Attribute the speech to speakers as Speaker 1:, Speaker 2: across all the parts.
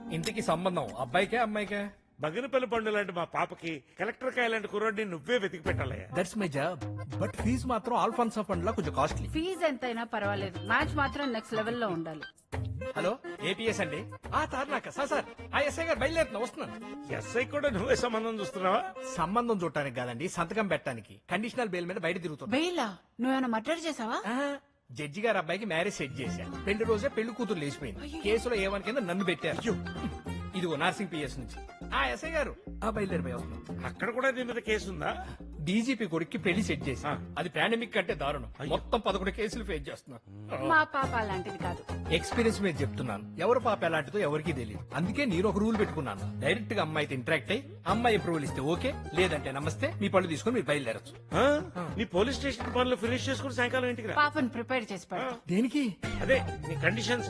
Speaker 1: ఇంటికి సంబంధం అబ్బాయికే అమ్మాయికే?
Speaker 2: బగినపల్లి పండు లాంటి మా పాపకి కలెక్టర్ కాయ లాంటి కుర్రాడిని నువ్వే వెతికి పెట్టాలయ్యా.
Speaker 1: That's my job. But fee మాత్రం ఆల్ఫాన్సా ఫండ్ లా కొంచెం కాస్ట్లీ.
Speaker 3: ఫీజు ఎంతైనా పర్వాలేదు, మ్యాచ్ మాత్రం నెక్స్ట్ లెవెల్ లో ఉండాలి.
Speaker 1: హలో, ఏపీఎస్ అండి. తార్నాక సార్ ఆ ఎస్ఐ గారు బయలుదేరుతున్నా, వస్తున్నాను.
Speaker 2: ఎస్ఐ కూడా నువ్వే సంబంధం చూస్తున్నావా?
Speaker 1: సంబంధం చూడటానికి కాదండి, సంతకం పెట్టడానికి. కండిషనల్ బెయిల్ మీద బయట తిరుగుతుంది.
Speaker 3: బెయిలా? నువ్వేమైనా మర్డర్ చేసావా?
Speaker 1: జడ్జి గారు అబ్బాయికి మ్యారేజ్ సెట్ చేశారు. పెళ్లి రోజే పెళ్లి కూతురు లేచిపోయింది. కేసులో ఏమని కింద నన్ను పెట్టారు. ఇదిగో నర్సింగ్ పిఎస్ నుంచి. ఎస్ఐ గారు బయలుదేరిపోయి వస్తున్నాం.
Speaker 2: అక్కడ కూడా నీ మీద కేసు ఉందా?
Speaker 1: డీజీపీ కొడుక్కి పెళ్లి సెట్ చేశా. అది పాండమిక్ కంటే దారుణం. మొత్తం 11 కేసులు ఫేస్ చేస్తున్నా.
Speaker 3: మా పాప అలాంటిది కాదు.
Speaker 1: ఎక్స్పీరియన్స్ మీద చెప్తున్నాను. ఎవరు పాప ఎలాంటిదో ఎవరికి తెలియదు. అందుకే నేను ఒక రూల్ పెట్టుకున్నాను. డైరెక్ట్ గా అమ్మాయితో ఇంటరాక్ట్ అయ్యి అమ్మాయి అప్రూవల్ ఇస్తే ఓకే, లేదంటే నమస్తే, మీ పళ్ళు తీసుకుని మీరు బయలుదేరచ్చు.
Speaker 2: నీ పోలీస్ స్టేషన్ పనులు ఫినిష్ చేసుకుని సాయంకాలం ఇంటికి రా.
Speaker 3: పాపను ప్రిపేర్ చేసి పెడతా.
Speaker 1: దేనికి?
Speaker 2: అదే నీ కండిషన్స్.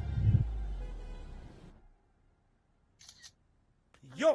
Speaker 2: యో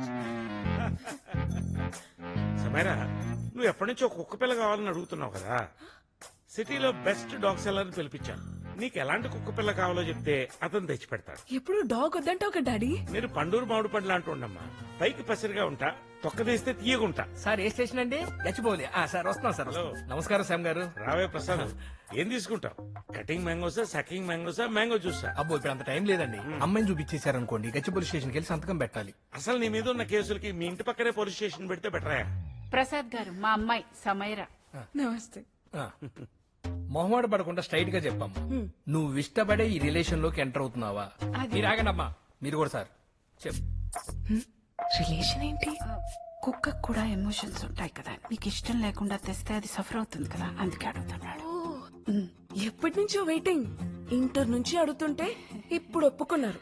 Speaker 2: సమేరా, నువ్వు ఎప్పటి నుంచో కుక్క పిల్ల కావాలని అడుగుతున్నావు కదా. సిటీలో బెస్ట్ డాగ్ సెల్లర్ ని పిలిపించాను. నీకు ఎలాంటి కుక్క పిల్ల కావాలో చెప్తే అతను తెచ్చి పెడతాడు.
Speaker 4: ఎప్పుడు డాగ్ వద్దంటే ఒక డాడీ.
Speaker 2: నేను పండూరు మామిడి పండ్లు అంటుండమ్మా. పైకి పసిరిగా ఉంటా, తొక్క తీస్తే తీయగుంటా.
Speaker 1: సార్ ఏ స్టేషన్ అండి? గచ్చిబౌలి. సార్ వస్తున్నాం సార్.
Speaker 2: హలో.
Speaker 1: నమస్కారం శ్యామ్ గారు.
Speaker 2: రావే ప్రసాద్, ఏం తీసుకుంటావు? కటింగ్ మ్యాంగోసా, సకింగ్ మ్యాంగోసా, మ్యాంగో జ్యూసా?
Speaker 1: అబ్బో, ఇప్పుడు అంత టైం లేదండి. అమ్మాయిని చూపించేశారనుకోండి, గచ్చిబౌలి స్టేషన్కి వెళ్ళి సంతకం పెట్టాలి.
Speaker 2: అసలు నీ మీద ఉన్న కేసులకి మీ ఇంటి పక్కనే పోలీస్ స్టేషన్ పెడితే బెటరా?
Speaker 3: ప్రసాద్ గారు, మా అమ్మాయి సమైరా.
Speaker 4: నమస్తే.
Speaker 1: మొహమాట పడకుండా స్ట్రైట్ గా చెప్పమ్మా, నువ్వు ఇష్టపడే ఈ రిలేషన్ లోకి ఎంటర్ అవుతున్నావా? మీరు ఆగండమ్మా, మీరు కూడా సార్ చెప్పు.
Speaker 4: రిలేషన్ ఏంటి?
Speaker 3: కుక్కకు కూడా ఎమోషన్స్ ఉంటాయి కదా. నీకు ఇష్టం లేకుండా తెస్తే అది సఫర్ అవుతుంది కదా, అందుకే అడుగుతున్నాడు.
Speaker 4: ఎప్పటి నుంచో వెయిటింగ్. ఇంటర్ నుంచి అడుగుతుంటే ఇప్పుడు ఒప్పుకున్నారు.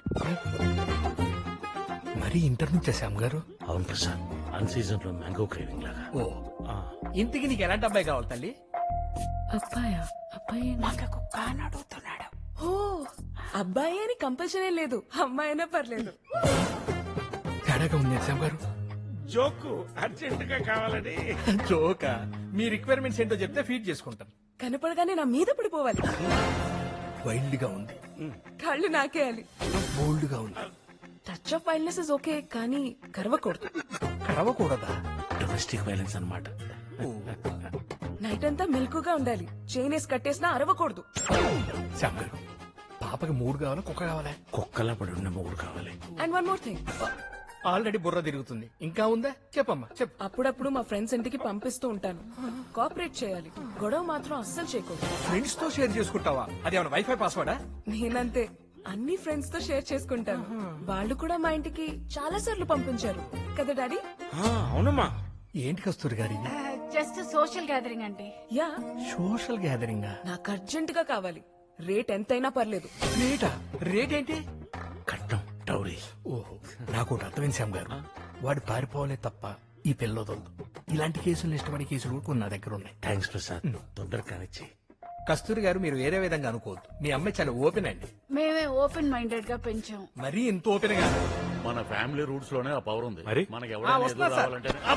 Speaker 1: మరి ఇంటర్ నుంచే శ్యామ్ గారు?
Speaker 2: అవును ప్రసాద్, అన్ సీజన్ లో మ్యాంగో క్రేవింగ్ లాగా.
Speaker 1: ఓ, ఇంతకి నీకు ఎలాంటి అబ్బాయి కావాలి తల్లి?
Speaker 4: అబ్బాయా? అబ్బాయి
Speaker 3: నాకు కుక్క అని అడుగుతున్నాడు.
Speaker 4: ఓ, అబ్బాయి అని కంపల్సరీ లేదు, అమ్మాయి అయినా పర్లేదు.
Speaker 1: తేడాగా ఉంది శ్యామ్ గారు.
Speaker 2: జోకు అర్జెంట్ గా కావాలని.
Speaker 1: జోకా? మీ రిక్వైర్మెంట్స్ ఏంటో చెప్తే ఫీడ్ చేసుకుంటాను.
Speaker 4: కనపడగానే నా మీద పడిపోవాలి.
Speaker 1: వైల్డ్ గా ఉంది,
Speaker 4: కాళ్ళు నాకేయాలి.
Speaker 1: బోల్డ్ గా ఉంది.
Speaker 4: Touch of wildness is okay, కానీ కరవకూడదు.
Speaker 1: కరవకూడదా?
Speaker 2: డొమెస్టిక్ వైలెన్స్ అన్నమాట.
Speaker 4: నైట్ అంతా మెలకుగా ఉండాలి. చైన్ వేసి కట్టేసినా అరవకూడదు.
Speaker 1: శ్యామ్ గారు, పాపకి 3 కావాలా, కుక్క కావాలా?
Speaker 2: కుక్కలా పడి ఉన్న మూడు కావాలి.
Speaker 4: And one more thing,
Speaker 1: already బుర్ర తిరుగుతుంది, ఇంకా ఉందా? చెప్పమ్మా చెప్పు.
Speaker 4: అప్పుడప్పుడు మా ఫ్రెండ్స్ ఇంటికి పంపిస్తూ ఉంటాను. కోఆపరేట్ చేయాలి, గొడవ మాత్రం అస్సలు చేయకూడదు.
Speaker 1: ఫ్రెండ్స్ తో షేర్ చేసుకుంటావా? అది ఏమైనా వైఫై పాస్వర్డా?
Speaker 4: నేనంతే, అన్ని ఫ్రెండ్స్ తో షేర్ చేసుకుంటాను. వాళ్ళు కూడా మా ఇంటికి చాలా సార్లు పంపించారు కదా డాడీ?
Speaker 2: అవునమ్మా.
Speaker 1: ఏంటి కస్తూరి గారి?
Speaker 3: జస్ట్ సోషల్ గ్యాదరింగ్ అండి.
Speaker 4: Yeah,
Speaker 1: social gathering.
Speaker 4: నాకు అర్జెంట్ గా కావాలి. రేట్ ఎంతైనా పర్లేదు.
Speaker 1: రేటా? రేట్ ఏంటి?
Speaker 2: కట్నం, టౌరీ.
Speaker 1: ఓహో, నాకు ఒకటి అర్థమైంది శ్యామ్ గారు. వాడు పారిపోవాలే తప్ప ఈ పిల్లదొద్దు. ఇలాంటి కేసులు ఇష్టపడే కేసులు కూడా కొన్ని నా దగ్గర ఉన్నాయి.
Speaker 2: థ్యాంక్స్ ప్రసాద్, తొందరగా కానిచ్చి.
Speaker 1: కస్తూరి గారు, మీరు వేరే విధంగా అనుకోవద్దు. మీ అమ్మాయి చాలా ఓపెన్ అండి.
Speaker 3: మేమే ఓపెన్ మైండెడ్ గా పెంచాం.
Speaker 1: మరీ ఇంత ఓపెన్ గా.
Speaker 5: మన ఫ్యామిలీ రూట్స్ లోనే ఆ పవర్ ఉంది.
Speaker 2: మరి?
Speaker 5: మనకి
Speaker 1: వస్తున్నా సార్.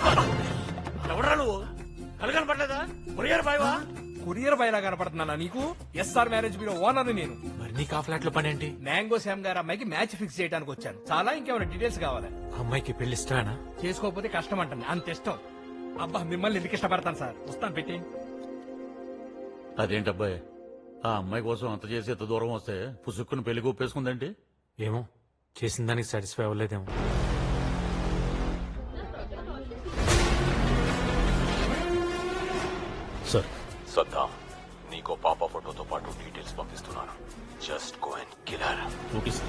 Speaker 2: ఎవరా నువ్వు? కలగని పడలేదా? కొరియర్ బాయ్వా?
Speaker 1: కొరియర్ బయలా కనపడుతున్నానా నీకు? ఎస్ఆర్ మ్యారేజ్ బ్యూరో ఓనర్ నేను.
Speaker 6: మరి నీకు ఆ ఫ్లాట్ లో పని ఏంటి?
Speaker 1: మ్యాంగో శ్యామ్ గారు అమ్మాయికి మ్యాచ్ ఫిక్స్ చేయడానికి వచ్చాను. చాలా ఇంకేమైనా డీటెయిల్స్ కావాలి?
Speaker 6: అమ్మాయికి పెళ్లి ఇష్టమేనా?
Speaker 1: చేసుకోకపోతే కష్టం అంటుంది, అంత ఇష్టం. అబ్బా, మిమ్మల్ని ఎందుకు ఇష్టపడతాను సార్. వస్తాను, పెట్టి.
Speaker 5: అదేంటి అబ్బాయి, ఆ అమ్మాయి కోసం అంత చేసి ఎంత దూరం వస్తే పుసుక్కుని పెళ్లి ఒప్పేసుకుందేంటి?
Speaker 6: ఏమో, చేసిన దానికి సాటిస్ఫై అవ్వలేదేమో.
Speaker 5: సార్,
Speaker 7: సద్దాం, నీకో పాప ఫోటోతో పాటు డీటెయిల్స్ పంపిస్తున్నాను. Just go and kill her.
Speaker 5: Okay sir.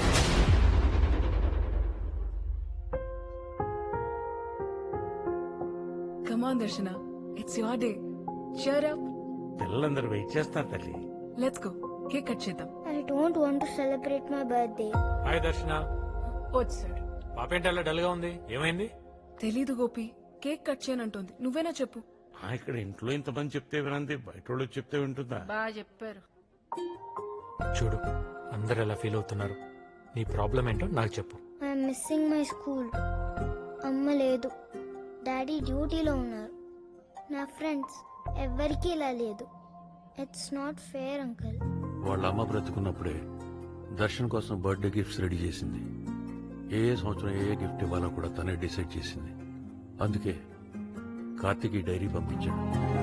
Speaker 4: Come on Darshana, it's your day. cheer up.
Speaker 2: పిల్లలందరూ వెయిట్ చేస్తారు తల్లి.
Speaker 4: లెట్స్ గో, కేక్ కట్ చేద్దాం.
Speaker 8: I don't want to celebrate my birthday.
Speaker 6: Hi Darshana.
Speaker 4: వచ్చాడు.
Speaker 6: పాప ఏంటి అలా డల్ గా ఉంది? ఏమైంది?
Speaker 4: తెలీదు గోపి, కేక్ కట్ చేయనంటోంది. నువ్వేనా చెప్పు.
Speaker 2: ఇక్కడ ఇంట్లో ఇంతమంది చెప్తే వినంది, బయట వాళ్ళకి చెప్తే వింటుందా?
Speaker 3: బాగా చెప్పారు.
Speaker 6: చూడు, అందరు ఎలా ఫీల్ అవుతున్నారు. నీ ప్రాబ్లం ఏంటో నాకు చెప్పు.
Speaker 8: I'm missing my school. అమ్మ లేదు, డాడీ డ్యూటీలో ఉన్నారు. నా ఫ్రెండ్స్ ఎవ్వరికీ ఇలా లేదు. It's not fair uncle.
Speaker 5: వాళ్ళ అమ్మ బ్రతుకున్నప్పుడే దర్శన్ కోసం బర్త్డే గిఫ్ట్స్ రెడీ చేసింది. ఏ సంవత్సరం ఏ గిఫ్ట్ ఇవ్వాలో కూడా తనే డిసైడ్ చేసింది. అందుకే కార్తీక్ ఈ డైరీ పంపించాడు.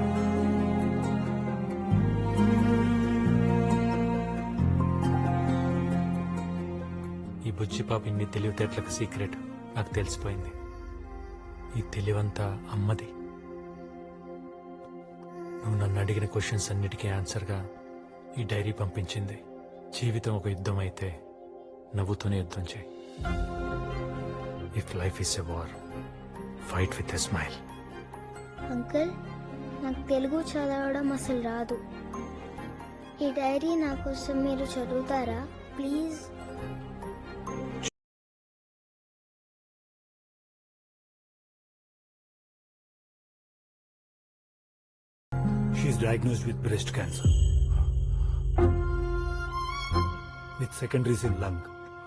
Speaker 6: ఈ బుజ్జి పాప ఇన్ని తెలివితేటలకు సీక్రెట్ నాకు తెలిసిపోయింది. ఈ తెలివంతా అమ్మది. నువ్వు నన్ను అడిగిన క్వశ్చన్స్ అన్నిటికీ ఆన్సర్గా ఈ డైరీ పంపించింది. జీవితం ఒక యుద్ధం అయితే నవ్వుతూనే యుద్ధం చేయి. If life is a war, fight with a smile.
Speaker 8: Uncle నాకు తెలుగు చదవడం అసలు రాదు. ఈ డైరీ నా కోసం మీరు చదువుతారా please?
Speaker 9: She is diagnosed with breast cancer with secondaries in lung.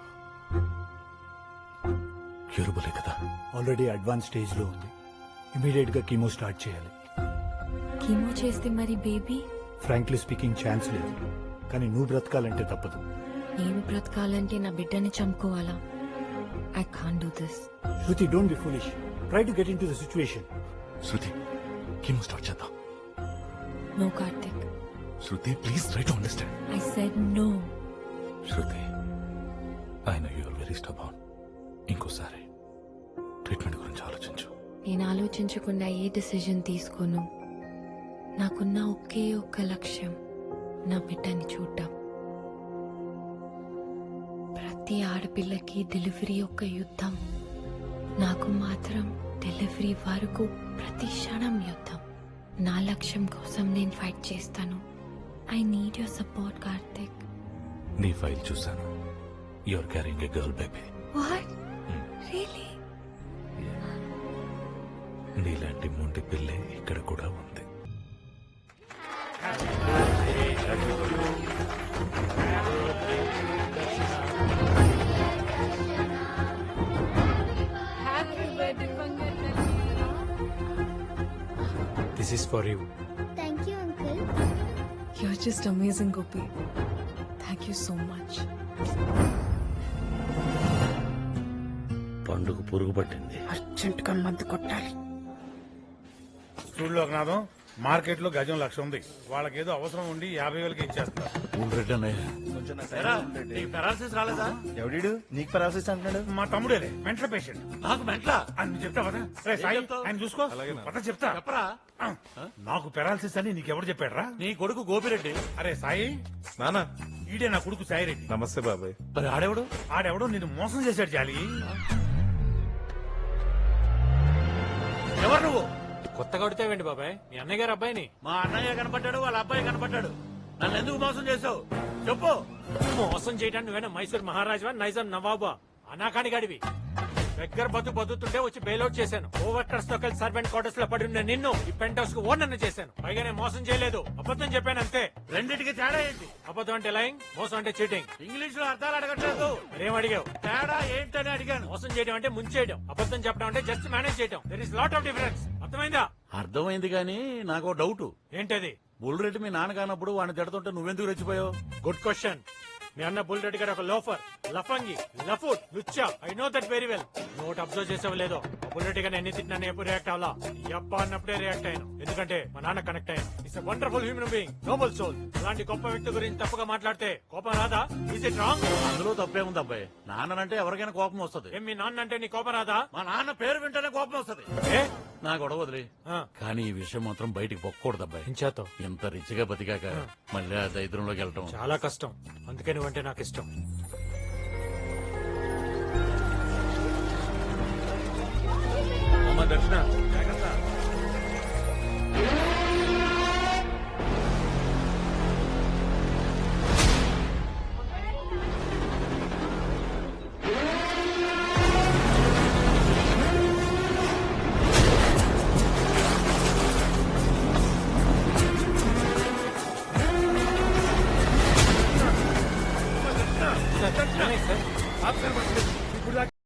Speaker 5: క్యూరబులే కదా?
Speaker 9: ఆల్రెడీ అడ్వాన్స్ స్టేజ్ లో ఉంది. ఇమీడియట్ గా కీమో స్టార్ట్ చేయాలి.
Speaker 10: కీమో చేస్తే మరి బేబీ?
Speaker 9: ఫ్రాంక్లీ స్పీకింగ్ ఛాన్స్ లేదు, కానీ నువ్వు బ్రతకాలంటే తప్పదు.
Speaker 10: నేను బ్రతకాలంటే నా బిడ్డని చంపుకోవాలా? I can't do this.
Speaker 9: Shruti, don't be foolish. Try to get into the situation.
Speaker 7: Shruti chemo start చేద్దాం.
Speaker 10: No Karthik.
Speaker 7: Shruti please try to understand.
Speaker 10: I said no.
Speaker 7: Shruti I know you are very stubborn. ఇంకోసారి ట్రీట్మెంట్ గురించి ఆలోచించు.
Speaker 10: నేను ఆలోచించకుండా ఏ decision తీసుకోను. నాకున్న ఒకే ఒక్క లక్ష్యం నా బిడ్డని చూడటం. ప్రతి ఆడపిల్లకి డెలివరీ ఒక యుద్ధం. నాకు మాత్రం డెలివరీ వరకు ప్రతి క్షణం యుద్ధం. నా లక్ష్యం కోసం నేను ఫైట్ చేస్తాను. I need your support Karthik.
Speaker 7: నీ ఫైల్ చూసాను. You are carrying a girl baby.
Speaker 10: What? Really?
Speaker 7: నీలాంటి మొండి పిల్లే ఇక్కడ కూడా ఉంది.
Speaker 6: This is for you.
Speaker 8: Thank you uncle.
Speaker 4: You are just amazing Gopi. Thank you so much.
Speaker 5: పండుగ పురుగు పట్టింది.
Speaker 3: అర్జెంట్ గా మందు కొట్టాలి.
Speaker 2: చూడు లోకనాథం, మార్కెట్ లో గజం 1,00,000 ఉంది. వాళ్ళకేదో అవసరం ఉండి 50,000కి ఇచ్చేస్తున్నారు.
Speaker 5: రెడ్డి అన్నయ్య,
Speaker 6: పెరాలసిస్ రాలేదా?
Speaker 9: ఎవడు నీకు పరాసిస్ అంటున్నాడు?
Speaker 2: మా తమ్ముడేలే, మెంటల్ పేషెంట్.
Speaker 6: నాకు మెంట్లా?
Speaker 2: అని చెప్తా పద. రే సాయి,
Speaker 6: చెప్తావ్?
Speaker 2: ఆయన చూసుకో. పద చెప్తా.
Speaker 6: చెప్పరా?
Speaker 2: నాకు పెరాలసిస్ అని నీకెవరు చెప్పాడ్రా?
Speaker 6: నీ కొడుకు గోపిరెడ్డి.
Speaker 2: అరే సాయి,
Speaker 9: నానా
Speaker 2: ఈడే నా కొడుకు సాయిరెడ్డి.
Speaker 9: నమస్తే బాబాయ్.
Speaker 6: మరి ఆడేవాడు?
Speaker 2: ఆడెవడో నిన్ను మోసం చేశాడు జాలి.
Speaker 6: ఎవరు నువ్వు? కొత్తగా కొడితేవేంటి బాబాయ్? మీ అన్నయ్య గారు అబ్బాయిని. మా అన్నయ్య కనపడ్డాడు, వాళ్ళ అబ్బాయి కనపడ్డాడు. నన్ను ఎందుకు మోసం చేసావు చెప్పు. మోసం చేయడానికి నువ్వేనా మైసూర్ మహారాజా, నైజాం నవాబా, అనాకాని గడివి? దగ్గర బతుకుతుంటే వచ్చి బెయిల్అవుట్ చేశాను. ఓవర్కర్స్ తో కలిసి సర్వెంట్ క్వార్టర్స్ లో పడి ఉన్న నిన్ను ఈ పెంట్ హౌస్ కు ఓనర్ చేశాను. పైగా నేను మోసం చేయలేదు, అబద్ధం చెప్పాను అంతే. రెండింటికి తేడా ఏంటి? అబద్ధం అంటే లైంగ్, మోసం అంటే చీటింగ్. ఇంగ్లీష్ లో అర్థాలు అడగట్లేదు. మరేం అడిగావు? తేడా ఏంటని అడిగాను. మోసం చేయడం అంటే ముంచేయడం, అబద్ధం చెప్పడం అంటే జస్ట్ మేనేజ్ చేయడం. There is lot of difference. అర్థమైందా?
Speaker 5: అర్థమైంది కానీ నాకు డౌట్.
Speaker 6: ఏంటది?
Speaker 5: బుల్రెడ్డి మీ నాన్న కానప్పుడు వాడిని తిడుతుంటే నువ్వెందుకు రెచ్చిపోయావు?
Speaker 6: Good question. మీ అన్న బుల్ రెడ్డి గారు ఒక లోఫర్, లఫంగి, లఫుట్, లుచ్చా. I know that very well. Note observe చేసావు లేదో, బుల్ రెడ్డి గారిని ఎన్ని తిట్టినా ఎప్పుడు రియాక్ట్ అవ్వాలా? యప్ప అన్నప్పుడే రియాక్ట్ అయ్యాను. ఎందుకంటే మా నాన్న కనెక్ట్ అయ్యాను. It's wonderful human being, noble soul. అలాంటి గొప్ప వ్యక్తి గురించి తప్పుగా మాట్లాడితే కోపం రాదా? Is it wrong?
Speaker 5: అందులో తప్పేముంది అబ్బాయి? నాన్నంటే ఎవరికైనా కోపం వస్తుంది.
Speaker 6: ఏం మీ నాన్న అంటే నీ కోపం రాదా?
Speaker 5: మా నాన్న పేరు వింటేనే కోపం వస్తుంది.
Speaker 6: ఏ?
Speaker 5: నా గొడవ వదిలి. కానీ ఈ విషయం మాత్రం బయటికి పొక్కకూడదు అబ్బాయి.
Speaker 6: ఇంచేతో
Speaker 5: ఇంత రిచ్గా బతికాక మళ్ళీ ఆ దరిద్రంలోకి వెళ్ళటం
Speaker 6: చాలా కష్టం. అందుకే నువ్వంటే నాకు ఇష్టం.
Speaker 2: అమ్మ దర్శన, జాగ్రత్త.
Speaker 6: సార్